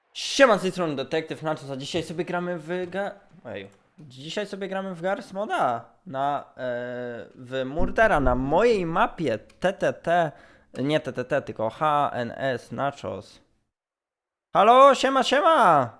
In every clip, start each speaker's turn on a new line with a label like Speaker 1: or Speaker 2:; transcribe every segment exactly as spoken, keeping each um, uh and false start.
Speaker 1: Siema, z tej strony Detektyw Nachos, a dzisiaj sobie gramy w ga... Ej. Dzisiaj sobie gramy w Garry's Moda na... E, w Murdera na mojej mapie T T T, nie T T T, tylko H N S Nachos. Halo, siema, siema!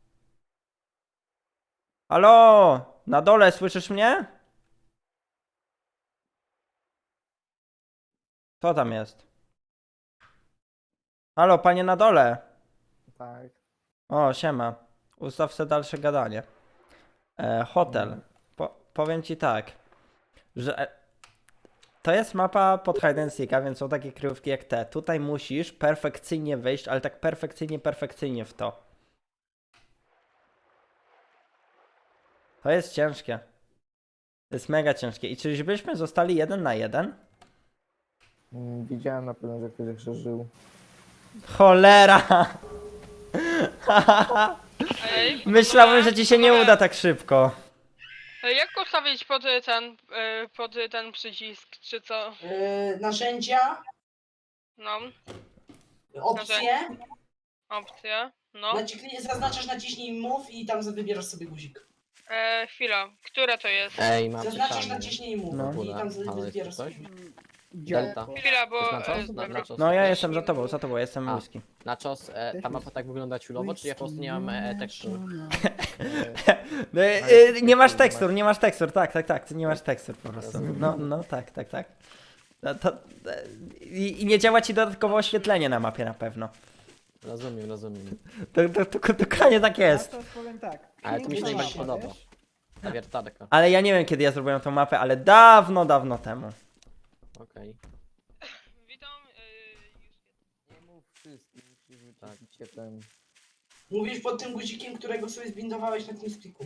Speaker 1: Halo, na dole, słyszysz mnie? Co tam jest? Halo, panie na dole.
Speaker 2: Tak.
Speaker 1: O, siema. Ustaw se dalsze gadanie. E, hotel.
Speaker 2: Mhm.
Speaker 1: Po, powiem ci tak, że e, to jest mapa pod hide and seeka, więc są takie kryjówki jak te. Tutaj musisz perfekcyjnie wejść, ale tak perfekcyjnie, perfekcyjnie w to. To jest ciężkie. To jest mega ciężkie. I czyżbyśmy zostali jeden na jeden?
Speaker 2: Mm, Widziałem na pewno, że ktoś jeszcze żył.
Speaker 1: Cholera!
Speaker 3: Ej,
Speaker 1: Myślałem, że ci się nie uda tak szybko.
Speaker 3: Ej, jak ustawić pod y, ten, y, pod y, ten przycisk, czy co?
Speaker 4: Yy, narzędzia,
Speaker 3: No,
Speaker 4: opcje,
Speaker 3: opcja, no.
Speaker 4: naciśnij, zaznaczasz, naciśnij move i tam wybierasz sobie guzik.
Speaker 3: E, chwila, które to jest?
Speaker 5: Ej, mam
Speaker 4: Zaznaczasz,
Speaker 5: pytanie.
Speaker 4: naciśnij move
Speaker 1: No.
Speaker 4: i tam
Speaker 5: Halo, jest
Speaker 4: wybierasz
Speaker 5: tu ktoś?
Speaker 4: sobie.
Speaker 5: Delta.
Speaker 3: Chwila, bo...
Speaker 5: Nachos?
Speaker 3: E,
Speaker 5: Na,
Speaker 3: dobra.
Speaker 5: nachos.
Speaker 1: No ja jestem za tobą, za tobą, jestem
Speaker 5: A.
Speaker 1: whisky.
Speaker 5: Nachos, e, ta mapa tak wygląda ciulowo, czy ja po prostu nie mam e, tekstur?
Speaker 1: No, y, y, nie masz tekstur, nie masz tekstur, tak, tak, tak, ty nie masz tekstur po prostu. No, no, tak, tak, tak. No, to, e, i, I nie działa ci dodatkowo oświetlenie na mapie na pewno.
Speaker 5: Rozumiem, rozumiem.
Speaker 1: To, to, to, dokładnie tak jest.
Speaker 2: Ja to powiem tak.
Speaker 5: Ale to mi się
Speaker 4: Piękna
Speaker 5: najbardziej
Speaker 4: mapa,
Speaker 5: podoba. Ta wiertarka.
Speaker 1: Ale ja nie wiem kiedy ja zrobiłem tą mapę, ale dawno, dawno temu.
Speaker 5: Okej.
Speaker 3: Witam, y,
Speaker 2: Nie mów wszystkim, musisz
Speaker 5: Tak.
Speaker 2: wyciszyć się ten...
Speaker 4: Mówisz pod tym guzikiem, którego sobie zbindowałeś na tym spiku.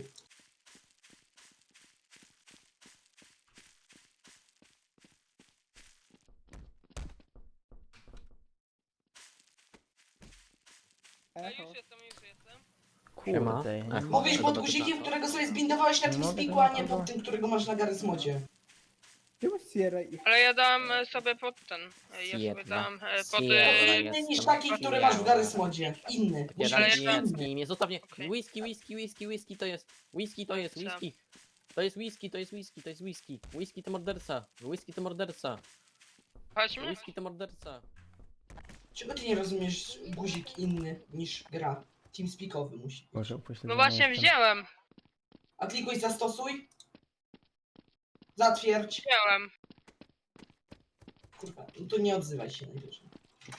Speaker 3: A
Speaker 2: Echo.
Speaker 3: już jestem, już jestem.
Speaker 5: Siema.
Speaker 1: Kurde.
Speaker 5: Ech.
Speaker 4: Mówisz pod
Speaker 5: Dobra,
Speaker 4: guzikiem,
Speaker 5: to-
Speaker 4: którego sobie zbindowałeś na tym
Speaker 1: Mogę
Speaker 4: spiku,
Speaker 1: to
Speaker 4: a nie
Speaker 1: naprawdę?
Speaker 4: pod tym, którego masz na Garry's Modzie.
Speaker 2: Czemu Sierra i...
Speaker 3: Ale ja dałem e, sobie pod ten, e, ja sobie
Speaker 5: Sierra.
Speaker 3: dałem e, pod...
Speaker 5: Sierra.
Speaker 3: Y,
Speaker 4: Inny niż
Speaker 5: jestem
Speaker 4: taki, który masz w
Speaker 5: Sierra.
Speaker 4: Garry's Modzie. Inny.
Speaker 5: Takie
Speaker 4: Musi
Speaker 3: Ale
Speaker 4: być
Speaker 3: ja tam-
Speaker 4: inny.
Speaker 5: radziecki, nie zostaw mnie.
Speaker 3: Okej.
Speaker 5: Whisky, whisky, whisky, whisky to jest. Whisky to jest,
Speaker 3: Dobrze.
Speaker 5: whisky. To jest whisky, to jest whisky, to jest whisky. Whisky to morderca. Whisky to morderca.
Speaker 3: chodźmy?
Speaker 5: Whisky to morderca.
Speaker 4: Czego ty nie rozumiesz guzik inny niż gra? Teamspeakowy musi być.
Speaker 1: Boże, upośledzony
Speaker 3: No właśnie
Speaker 1: jestem.
Speaker 3: wziąłem,
Speaker 4: A klikuj zastosuj. Zatwierdź.
Speaker 3: wziąłem.
Speaker 4: Kurwa, no to nie odzywaj się najwyżej.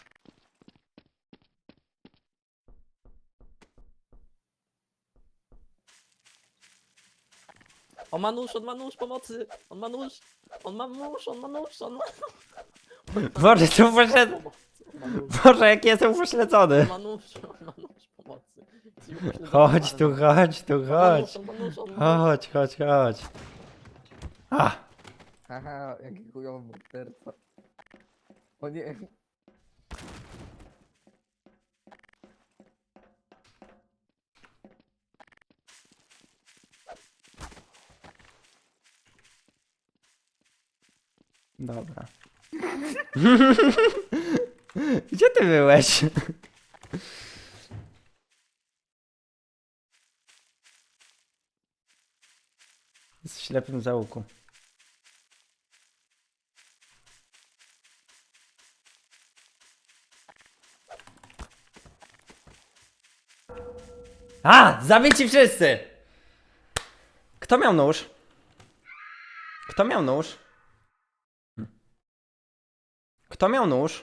Speaker 5: On ma nóż, on ma nóż, pomocy! On ma nóż! On ma nóż, on ma nóż, on ma...
Speaker 1: Boże, co poszedł?
Speaker 5: On ma nóż,
Speaker 1: Boże, jaki jestem upośledzony.
Speaker 5: on ma nóż, on ma nóż, pomocy.
Speaker 1: Chodź tu, chodź tu, chodź.
Speaker 5: On ma nóż, on ma nóż.
Speaker 1: Chodź, chodź, chodź. A,
Speaker 2: Haha, jaki chujowy morderca. O nie.
Speaker 1: dobra. Gdzie ty byłeś? Jest w ślepym zaułku. A! Zabici wszyscy! Kto miał nóż? Kto miał nóż? Kto miał nóż?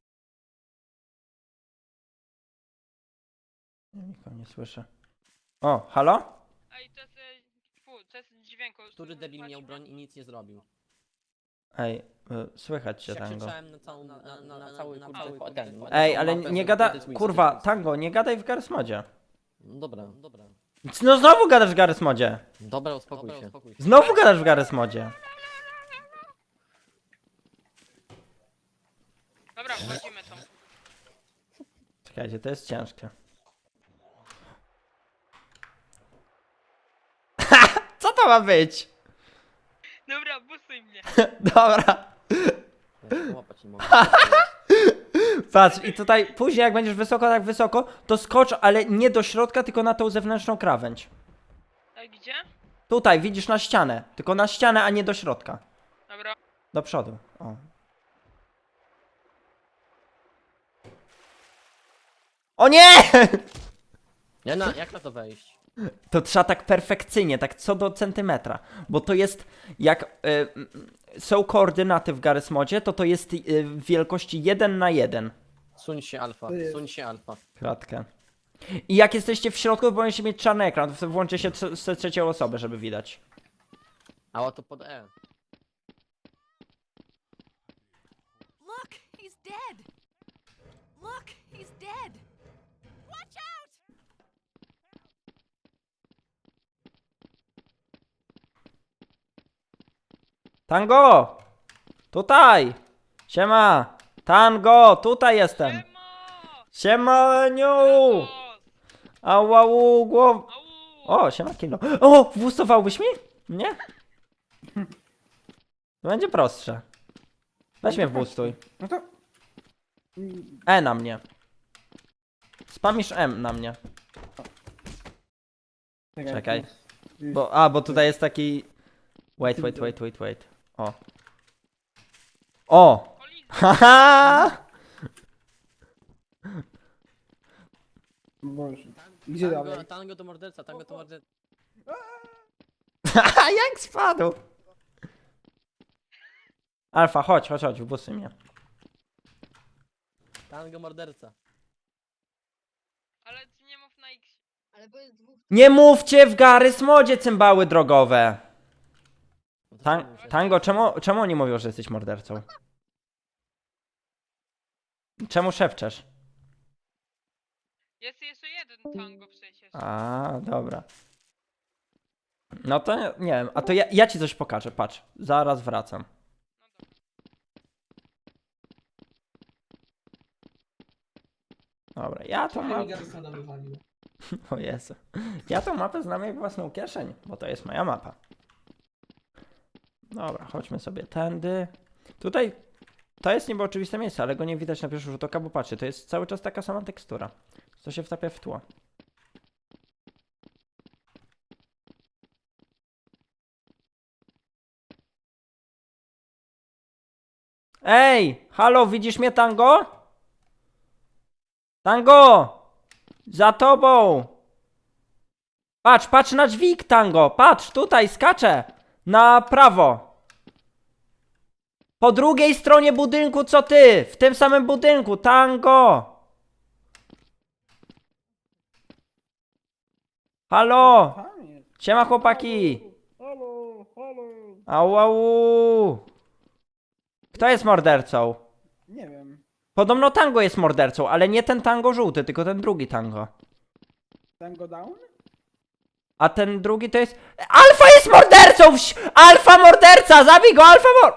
Speaker 1: Ja nikogo nie słyszę. O, halo?
Speaker 3: Ej, to jest... e, Fu, to jest dźwięku.
Speaker 5: Który debil miał broń i nic nie zrobił?
Speaker 1: Ej, y, słychać cię,
Speaker 5: Ja
Speaker 1: Tango.
Speaker 5: krzyczałem na całą, na, na, na, na cały kurczę ten.
Speaker 1: Ej,
Speaker 5: na
Speaker 1: ale
Speaker 5: całą mapę,
Speaker 1: nie
Speaker 5: że
Speaker 1: gada...
Speaker 5: to jest whisky,
Speaker 1: Kurwa,
Speaker 5: to jest
Speaker 1: Tango, nie gadaj w Garry's Modzie.
Speaker 5: whisky. Dobra, dobra.
Speaker 1: No znowu gadasz w Garry's Modzie.
Speaker 5: Dobra, uspokój się.
Speaker 1: Znowu gadasz w Garry's Modzie.
Speaker 3: Dobra, wchodzimy tam.
Speaker 1: Czekajcie, to jest ciężkie. Co to ma być?
Speaker 3: Dobra, busuj mnie.
Speaker 1: Dobra.
Speaker 5: Ja się połapać nie mogę.
Speaker 1: Patrz, i tutaj później jak będziesz wysoko, tak wysoko, to skocz, ale nie do środka, tylko na tą zewnętrzną krawędź.
Speaker 3: A gdzie?
Speaker 1: Tutaj, widzisz, na ścianę. Tylko na ścianę, a nie do środka.
Speaker 3: Dobra.
Speaker 1: Do przodu. O. O nie!
Speaker 5: Nie, na, jak na to wejść?
Speaker 1: To trzeba tak perfekcyjnie, tak co do centymetra. Bo to jest, jak y, y, są koordynaty w Garry's Modzie, to to jest y, w wielkości jeden na jeden.
Speaker 5: Suń się alfa,
Speaker 2: To jest-
Speaker 5: suń się alfa.
Speaker 1: Kratkę. I jak jesteście w środku, to powinniście mieć czarny ekran, to wtedy włączy się trze- z trzecią osobę, żeby widać.
Speaker 5: A oto pod E.
Speaker 6: Look, he's dead. Look, he's dead. Watch out!
Speaker 1: Tango! Tutaj! Siema! Tango! Tutaj jestem!
Speaker 3: Siema!
Speaker 1: Siemaniu!
Speaker 3: O!
Speaker 1: Ałau, głow...
Speaker 3: Au!
Speaker 1: O, siema kilo. O, włosowałbyś mi? Nie? To będzie prostsze. Weź mnie wbustuj.
Speaker 2: No to...
Speaker 1: E na mnie. Spamisz M na mnie. Czekaj. Bo, a, bo tutaj jest taki... Wait, wait, wait, wait, wait. O. O! Haha!
Speaker 2: Boże. Gdzie
Speaker 5: Tango,
Speaker 2: dalej?
Speaker 5: tango to morderca, tango to morderca.
Speaker 1: Haha, jak spadł! Alfa, chodź, chodź, chodź, wbusuj mnie.
Speaker 5: Tango morderca.
Speaker 3: Ale ty nie mów na X.
Speaker 6: Ale bo jest dwóch.
Speaker 1: Nie mówcie w Garry's Modzie cymbały drogowe!
Speaker 5: No to
Speaker 1: Tan
Speaker 5: co muszę-
Speaker 1: tango, czemu, czemu oni mówią, że jesteś mordercą? Czemu szepczesz?
Speaker 3: Jest jeszcze jeden tango przecież.
Speaker 1: A, dobra. No to nie, nie wiem, a to ja, ja ci coś pokażę, patrz. Zaraz wracam. Dobra, ja tą
Speaker 4: Ale mi
Speaker 1: mapę...
Speaker 4: Garrysona wywalił.
Speaker 1: O Jezu. Ja tą mapę znam jak własną kieszeń, bo to jest moja mapa. Dobra, chodźmy sobie tędy. Tutaj to jest niby oczywiste miejsce, ale go nie widać na pierwszy rzut oka, bo patrzcie, to jest cały czas taka sama tekstura. To się wtapia w tło. Ej! Halo, widzisz mnie, Tango? Tango! Za tobą! Patrz, patrz na dźwig, Tango! Patrz, tutaj, skaczę! Na prawo! Po drugiej stronie budynku, co ty! W tym samym budynku, Tango! Halo!
Speaker 2: Tam jest.
Speaker 1: Siema, chłopaki!
Speaker 2: Halo, halo.
Speaker 1: Au, au. Kto jest mordercą?
Speaker 2: Nie wiem.
Speaker 1: Podobno Tango jest mordercą, ale nie ten Tango żółty, tylko ten drugi Tango.
Speaker 2: Tango down?
Speaker 1: A ten drugi to jest... Alfa jest mordercą! Wś- Alfa morderca! Zabij go, Alfa mor...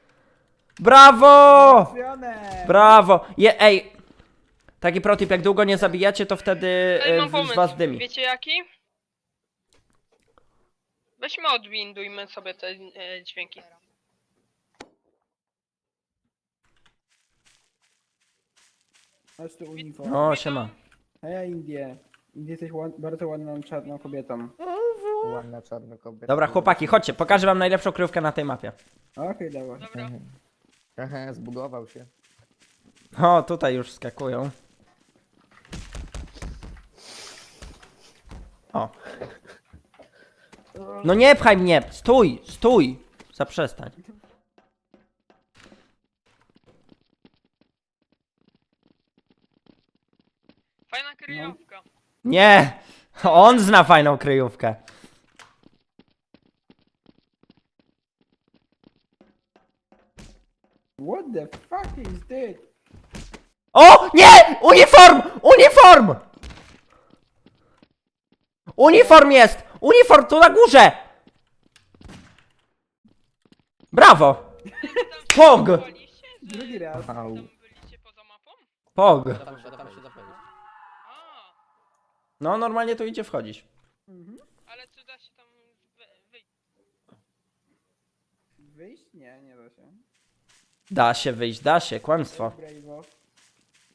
Speaker 1: Brawo!
Speaker 2: Trafione.
Speaker 1: Brawo! Je, ej! Taki protip, jak długo nie zabijacie, to wtedy
Speaker 3: Ej,
Speaker 1: e,
Speaker 3: mam
Speaker 1: z
Speaker 3: pomysł.
Speaker 1: was dymi.
Speaker 3: Wiecie jaki? Weźmy odwindujmy sobie te e, dźwięki.
Speaker 2: Masz tu uniform.
Speaker 1: O, siema.
Speaker 2: A ja Indię. Indie jesteś ład, bardzo ładną czarną kobietą.
Speaker 7: Ładna czarna kobieta.
Speaker 1: Dobra, chłopaki, chodźcie, pokażę wam najlepszą kryjówkę na tej mapie.
Speaker 2: Okej, dawaj.
Speaker 3: Dobra.
Speaker 7: Aha, zbugował się.
Speaker 1: O, tutaj już skakują. O. No nie pchaj mnie! Stój! Stój! Zaprzestań.
Speaker 3: Fajna kryjówka.
Speaker 1: Nie! On zna fajną kryjówkę.
Speaker 2: What the fuck is this?
Speaker 1: O! Nie! Uniform! Uniform! Uniform jest! Uniform tu na górze! Brawo! Pog!
Speaker 3: Byliście, że
Speaker 2: Drugi raz.
Speaker 7: Au.
Speaker 3: tam byliście poza mapą?
Speaker 1: Pog!
Speaker 5: Tam się, tam się zapewnić.
Speaker 3: A,
Speaker 1: No normalnie tu idzie wchodzić.
Speaker 3: ale czy da się tam wy- wyjść?
Speaker 2: Wyjść? Nie, nie da się.
Speaker 1: Da się wyjść, da się, kłamstwo.
Speaker 2: Brawo.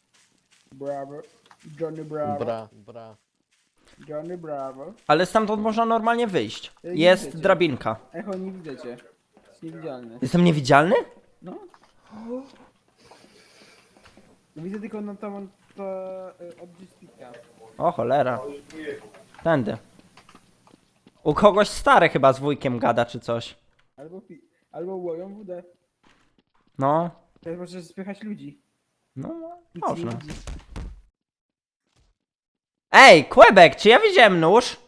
Speaker 2: Brawo. Johnny Bravo.
Speaker 5: Bra, bra.
Speaker 2: Johnny Bravo.
Speaker 1: Ale stamtąd można normalnie wyjść.
Speaker 2: Ej,
Speaker 1: Jest
Speaker 2: widzicie.
Speaker 1: drabinka.
Speaker 2: Echo, nie widzę cię. Jest niewidzialny.
Speaker 1: Jestem niewidzialny?
Speaker 2: No. Widzę tylko na tą to y, od G-Speaka.
Speaker 1: O cholera. Tędy. U kogoś stary chyba z wujkiem gada czy coś.
Speaker 2: Albo pi- albo łoją wódę.
Speaker 1: No.
Speaker 2: Teraz możesz spychać ludzi.
Speaker 1: No,
Speaker 2: Nic nie
Speaker 1: można.
Speaker 2: widzi.
Speaker 1: Ej, Quebec, czy ja widziałem nóż?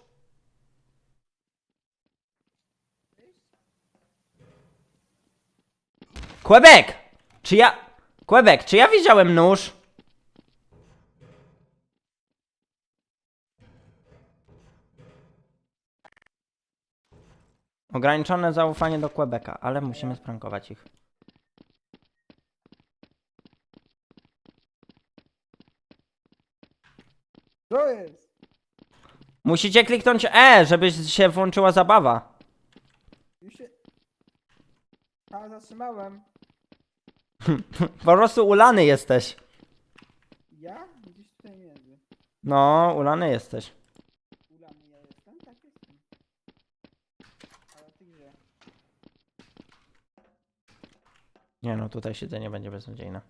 Speaker 1: Quebec! Czy ja... Quebec, czy ja widziałem nóż? Ograniczone zaufanie do Quebeca, ale musimy sprankować ich.
Speaker 2: Co jest?
Speaker 1: Musicie kliknąć E, żeby się włączyła zabawa.
Speaker 2: Już się... A, zatrzymałem.
Speaker 1: Po prostu ulany jesteś.
Speaker 2: Ja? Gdzieś tutaj między.
Speaker 1: No, ulany jesteś.
Speaker 2: Ulany ja jestem? Tak jestem. Ale ty gdzie?
Speaker 1: Nie no, tutaj siedzenie będzie beznadziejne.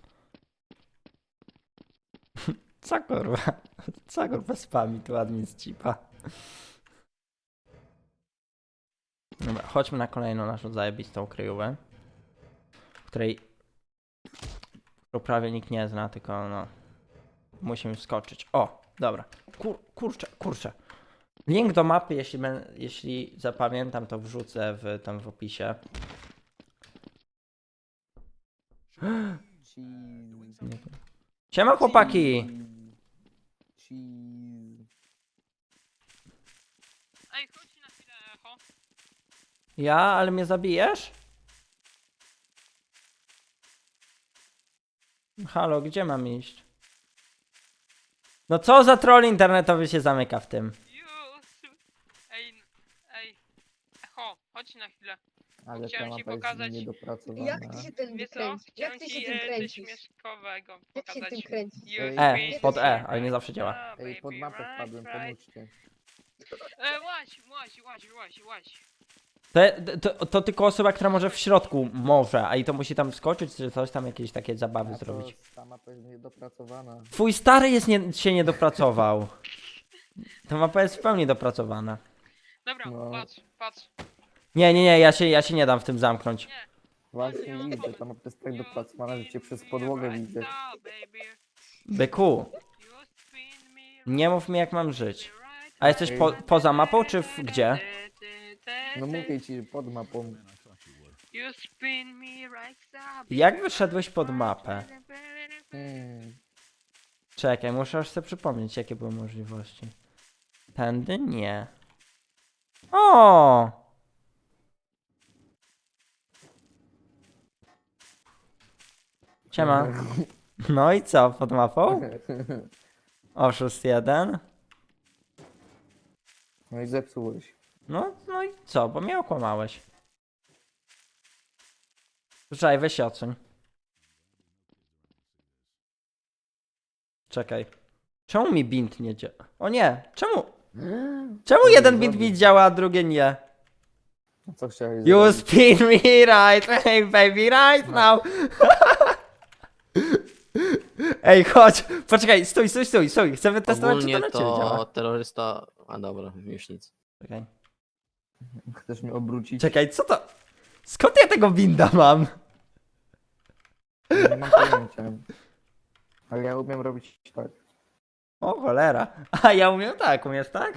Speaker 1: Co kurwa? Co kurwa spami tu admin z chipa? Dobra, chodźmy na kolejną naszą zajebistą kryjówę, której którą prawie nikt nie zna, tylko no musimy wskoczyć. O, dobra. Kur, kurczę, kurczę. Link do mapy, jeśli, ben, jeśli zapamiętam, to wrzucę w, tam w opisie.
Speaker 7: Cheese.
Speaker 1: Nie. Siema chłopaki!
Speaker 7: Cheese.
Speaker 3: Ej, chodź na chwilę, Echo.
Speaker 1: Ja, ale mnie zabijesz? Halo, gdzie mam iść? No co za troll internetowy się zamyka w tym?
Speaker 3: Już. Ej, ej. Echo, chodź na chwilę.
Speaker 7: Ale
Speaker 3: Chciałem
Speaker 7: ta
Speaker 3: ci
Speaker 7: mapa jest
Speaker 3: pokazać-
Speaker 7: niedopracowana.
Speaker 8: Jak ty się ten
Speaker 3: Wiesz co?
Speaker 8: kręcisz?
Speaker 3: Chciałem
Speaker 8: Jak ty
Speaker 3: ci
Speaker 8: się tym
Speaker 3: e, coś
Speaker 8: kręcisz?
Speaker 3: śmieszkowego
Speaker 8: Jak się tym
Speaker 3: pokazać.
Speaker 8: kręcisz?
Speaker 3: You
Speaker 7: Ej.
Speaker 1: E,
Speaker 3: spin
Speaker 1: pod
Speaker 3: me
Speaker 1: E, ale nie
Speaker 3: right
Speaker 1: zawsze działa.
Speaker 3: now,
Speaker 7: Ej, pod
Speaker 3: baby,
Speaker 7: mapę
Speaker 3: right,
Speaker 7: wpadłem,
Speaker 3: right.
Speaker 7: pomóżcie.
Speaker 3: E, łaź, łaź, łaź, łaź, łaź.
Speaker 1: To, to, to tylko osoba, która może w środku może, a i to musi tam wskoczyć, czy coś tam, jakieś takie zabawy
Speaker 7: A to
Speaker 1: zrobić.
Speaker 7: ta mapa jest niedopracowana.
Speaker 1: Twój stary jest nie, się nie dopracował. Ta mapa jest w pełni dopracowana.
Speaker 3: Dobra,
Speaker 7: No.
Speaker 3: patrz, patrz.
Speaker 1: Nie, nie, nie, ja się, ja się nie dam w tym zamknąć.
Speaker 7: Właśnie widzę, ta mapa jest tak dopracowana, że cię przez podłogę widzę.
Speaker 1: Byku, nie mów mi jak mam żyć. A jesteś po, poza mapą, czy w, gdzie?
Speaker 7: No mówię ci, że pod mapą.
Speaker 3: You spin me right side.
Speaker 1: Jak wyszedłeś pod mapę?
Speaker 7: Hmm.
Speaker 1: Czekaj, muszę aż sobie przypomnieć, jakie były możliwości. Tędy? Nie. O! Siema. No i co, pod mapą? Oszust jeden.
Speaker 7: No i zepsułeś.
Speaker 1: No, no i co, bo mnie okłamałeś. Czekaj, weź się odsuń. Czekaj. Czemu mi bint nie działa? O nie, czemu? Czemu jeden bint mi działa, a drugie nie?
Speaker 7: A co chciałeś
Speaker 1: You
Speaker 7: zrobić?
Speaker 1: spin me right, hey baby, right now. Ej, chodź, poczekaj, stój, stój, stój, stój. Chcę wytestować, czy to
Speaker 5: Ogólnie
Speaker 1: na ciebie
Speaker 5: to
Speaker 1: działa.
Speaker 5: terrorysta... A dobra, już nic.
Speaker 1: Czekaj.
Speaker 7: Chcesz mnie obrócić?
Speaker 1: Czekaj, co to? Skąd ja tego binda mam?
Speaker 7: Nie mam pojęcia. Ale ja umiem robić tak.
Speaker 1: O cholera. A ja umiem tak, umiesz tak?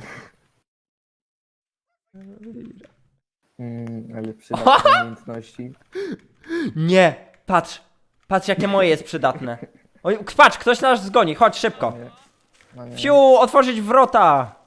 Speaker 7: Mm, ale przydatne umiejętności.
Speaker 1: Nie, patrz. Patrz jakie moje jest przydatne. Oj, patrz, ktoś nas zgoni, chodź szybko.
Speaker 7: Nie. No nie.
Speaker 1: Fiu, otworzyć wrota.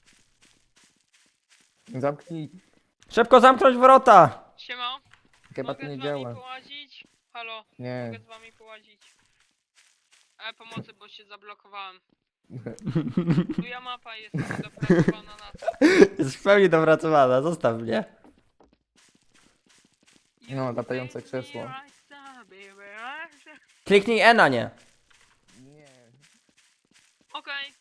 Speaker 7: Zamknij.
Speaker 1: Szybko zamknąć wrota.
Speaker 3: Siema,
Speaker 7: Chyba to
Speaker 3: mogę
Speaker 7: nie
Speaker 3: z wami
Speaker 7: działa.
Speaker 3: połazić? Halo,
Speaker 7: Nie.
Speaker 3: mogę z wami połazić? E, pomocy, bo się zablokowałem. Tuja mapa jest dopracowana na to.
Speaker 1: Jest w pełni dopracowana, zostaw mnie.
Speaker 3: You
Speaker 7: No, latające
Speaker 3: spin me
Speaker 7: krzesło.
Speaker 3: right side, baby, right side.
Speaker 1: Kliknij E na nie.
Speaker 7: Nie.
Speaker 3: Okej.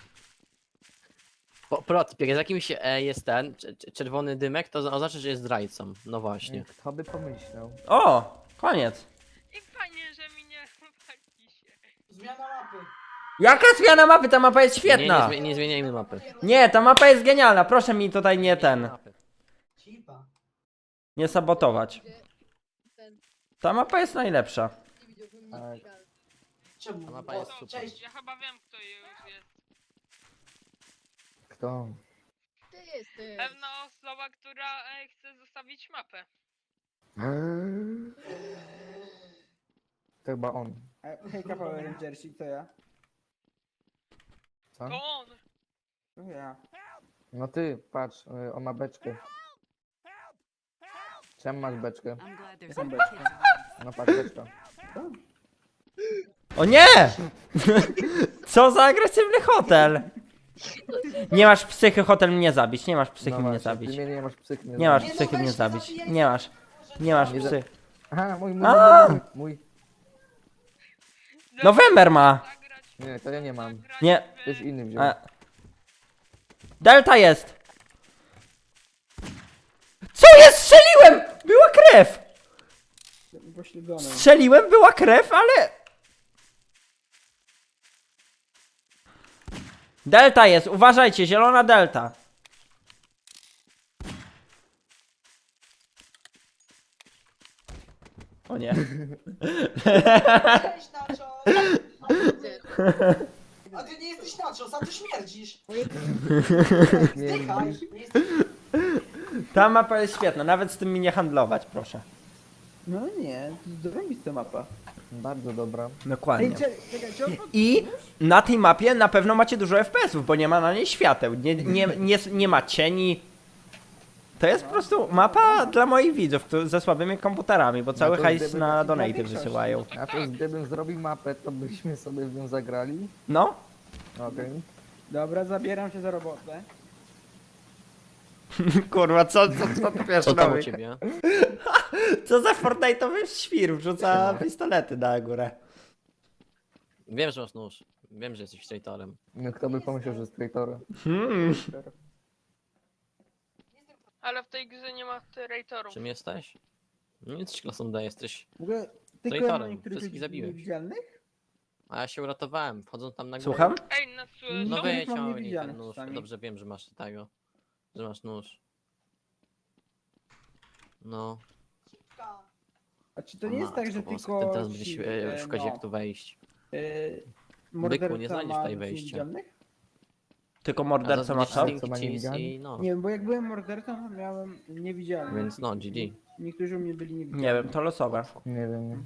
Speaker 5: Po, protip, jak z jakimś e, jest ten cz- cz- czerwony dymek, to oznacza, że jest zdrajcą. No właśnie.
Speaker 7: Kto by pomyślał?
Speaker 1: O, koniec.
Speaker 3: I fajnie, że mi nie chłopaki się.
Speaker 4: Zmiana mapy.
Speaker 1: Jaka zmiana mapy? Ta mapa jest
Speaker 5: Nie,
Speaker 1: świetna.
Speaker 5: nie, zmi- nie zmieniajmy mapy.
Speaker 1: Nie, ta mapa jest genialna. Proszę mi tutaj nie ten,
Speaker 5: Mapy.
Speaker 4: Cipa.
Speaker 1: nie sabotować.
Speaker 6: Ten
Speaker 1: Ta mapa jest najlepsza.
Speaker 6: nie widziałbym
Speaker 7: Tak.
Speaker 6: nic.
Speaker 4: Czemu?
Speaker 5: Ta mapa
Speaker 4: O,
Speaker 5: jest super.
Speaker 4: Cześć.
Speaker 3: Ja chyba wiem, kto już jest.
Speaker 7: Kto?
Speaker 6: Ty jesteś.
Speaker 3: Pewna osoba, która e, chce zostawić mapę.
Speaker 7: To chyba on.
Speaker 2: A, hejka Power Rangersi, to ja.
Speaker 7: Co?
Speaker 3: To on.
Speaker 2: To ja.
Speaker 7: No ty, patrz, y, on ma beczkę. Czemu masz beczkę?
Speaker 6: I'm glad there's
Speaker 2: Jaką
Speaker 6: other
Speaker 2: beczkę?
Speaker 6: kids around.
Speaker 7: No patrz, beczka.
Speaker 1: O nie! Co za agresywny hotel! Nie masz psychy, hotel mnie zabić. Nie masz psychy
Speaker 7: No
Speaker 1: mnie
Speaker 7: właśnie,
Speaker 1: zabić.
Speaker 7: Ty mnie nie masz psychy.
Speaker 1: Nie masz
Speaker 4: Nie, no
Speaker 1: psychy
Speaker 4: weź
Speaker 1: mnie
Speaker 4: to
Speaker 1: zabić.
Speaker 4: zabijaj.
Speaker 1: Nie masz. Nie masz
Speaker 7: Nie za-
Speaker 1: psy.
Speaker 7: Aha, mój, mój,
Speaker 1: A!
Speaker 7: mój, mój.
Speaker 1: November ma.
Speaker 3: Zagrać,
Speaker 7: Nie, to ja nie mam.
Speaker 3: zagrać
Speaker 1: Nie.
Speaker 3: w-
Speaker 7: Ktoś inny wziął.
Speaker 1: A. Delta jest! Co jest? Strzeliłem! Była krew!
Speaker 2: Pośledzony.
Speaker 1: Strzeliłem, była krew, ale... Delta jest, uważajcie, zielona delta. O nie.
Speaker 4: Cześć, Nacho. A ty nie jesteś Nacho, a ty śmierdzisz. Zdychaj. Nie jesteś...
Speaker 1: Ta mapa jest świetna, nawet z tym mi nie handlować, proszę.
Speaker 2: No nie, zrobista mapa.
Speaker 7: Bardzo dobra.
Speaker 1: Dokładnie.
Speaker 2: Ej, czekaj, czekaj, czy on pod...
Speaker 1: I na tej mapie na pewno macie dużo F P S-ów, bo nie ma na niej świateł, nie, nie, nie, nie ma cieni. To jest po prostu mapa dla moich widzów którzy- ze słabymi komputerami, bo cały
Speaker 7: to
Speaker 1: hajs
Speaker 7: gdyby
Speaker 1: na
Speaker 7: taki
Speaker 1: donaty
Speaker 2: większość.
Speaker 1: wysyłają.
Speaker 7: A to gdybym zrobił mapę, to byśmy sobie w nią zagrali.
Speaker 1: No,
Speaker 7: Okej.
Speaker 2: Dobra, zabieram się za robotę.
Speaker 1: kurwa, co, co, co ty wiesz,
Speaker 5: Co tam u
Speaker 1: robi?
Speaker 5: ciebie?
Speaker 1: Co za Fortnite'owy świr, wrzuca pistolety na górę.
Speaker 5: Wiem, że masz nóż. Wiem, że jesteś traitorem.
Speaker 7: No kto by pomyślał, że jest traitorem?
Speaker 1: Hmm.
Speaker 3: Ale w tej grze nie ma traitorów.
Speaker 5: Czym jesteś? Nie jesteś klasą D, jesteś...
Speaker 2: W ogóle tylko
Speaker 5: Traitorem,
Speaker 2: ja mam niektórych
Speaker 5: wszystkich
Speaker 2: ludzi
Speaker 5: zabiłeś.
Speaker 2: niewidzialnych?
Speaker 5: A ja się uratowałem, wchodząc tam na górę.
Speaker 1: Słucham?
Speaker 3: Ej, na
Speaker 5: No
Speaker 2: No,
Speaker 3: co?
Speaker 2: wy- mam
Speaker 5: wyciągnij ten
Speaker 2: niewidzialnych
Speaker 5: nóż.
Speaker 2: czasami.
Speaker 5: Dobrze wiem, że masz tego. Że masz nóż. No.
Speaker 2: A czy to nie jest tak, że
Speaker 5: Matko boska,
Speaker 2: tylko
Speaker 5: Ty teraz będziesz
Speaker 2: ci,
Speaker 5: e,
Speaker 2: e,
Speaker 5: szukać
Speaker 2: no,
Speaker 5: jak tu wejść.
Speaker 2: e,
Speaker 5: nie
Speaker 2: morderca
Speaker 5: znajdziesz
Speaker 2: ma
Speaker 5: tutaj
Speaker 2: ludzi
Speaker 5: wejścia.
Speaker 2: niewidzialnych?
Speaker 1: Tylko
Speaker 5: A
Speaker 1: morderca
Speaker 5: zaraz
Speaker 1: ma
Speaker 5: będziesz
Speaker 1: co?
Speaker 5: Stinky
Speaker 7: Co ma
Speaker 5: Cheese
Speaker 7: niewidzialny?
Speaker 5: i no.
Speaker 2: Nie wiem, bo jak byłem mordercą, to miałem niewidzialnych.
Speaker 5: Więc no, G G.
Speaker 2: Niektórzy u mnie byli niewidzialni.
Speaker 1: Nie wiem, to losowe.
Speaker 7: Nie wiem.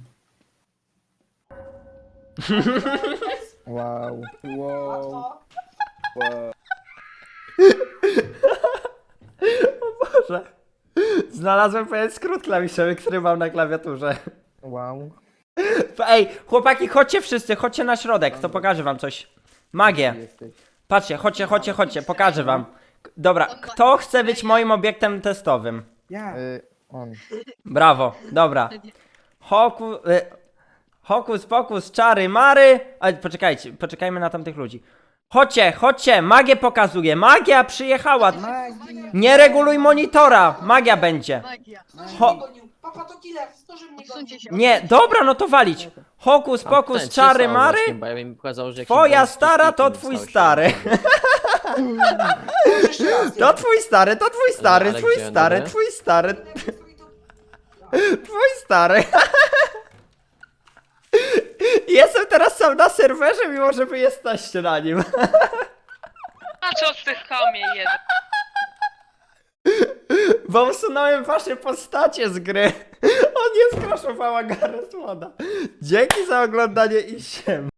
Speaker 7: Wow.
Speaker 2: Wow.
Speaker 4: Łatwo.
Speaker 2: wow.
Speaker 1: Boże. Znalazłem pewien skrót klawiszowy, który mam na klawiaturze.
Speaker 7: Wow.
Speaker 1: Ej, chłopaki, chodźcie wszyscy, chodźcie na środek, to pokażę wam coś. Magię.
Speaker 7: Jesteś.
Speaker 1: Patrzcie, chodźcie, chodźcie, chodźcie, pokażę wam. K- Dobra, kto chce być moim obiektem testowym?
Speaker 2: Ja.
Speaker 7: Y, on.
Speaker 1: Brawo, dobra. Hoku, y, hokus pokus, czary mary. A, poczekajcie, poczekajmy na tamtych ludzi. Chodźcie, chodźcie, magię pokazuję. Magia przyjechała.
Speaker 2: Magii.
Speaker 1: Nie reguluj monitora, magia będzie.
Speaker 6: Magia.
Speaker 4: Zdąży
Speaker 1: Ho-
Speaker 4: mnie gonił. Papa to killer, zdąży mnie gonił.
Speaker 6: Odsuńcie się.
Speaker 1: Nie, dobra, no to walić. Hokus
Speaker 5: A
Speaker 1: pokus,
Speaker 5: ten
Speaker 1: czary
Speaker 5: przysłał
Speaker 1: mary.
Speaker 5: właśnie, bo ja bym pokazał, że jak się
Speaker 1: Twoja
Speaker 5: boisz,
Speaker 1: stara to
Speaker 5: Sticky
Speaker 1: twój
Speaker 5: stał się-
Speaker 1: stary.
Speaker 4: Może jeszcze raz.
Speaker 1: To twój stary, to twój stary,
Speaker 5: ale
Speaker 1: twój
Speaker 5: gdzie,
Speaker 1: stary,
Speaker 5: dobry?
Speaker 1: twój stary, twój stary. Jestem teraz sam na serwerze, mimo że wy jesteście na nim.
Speaker 3: A co z tych kamie jeden?
Speaker 1: Bo usunąłem wasze postacie z gry. On nie skraszowała Gareth Moda. Dzięki za oglądanie i siem.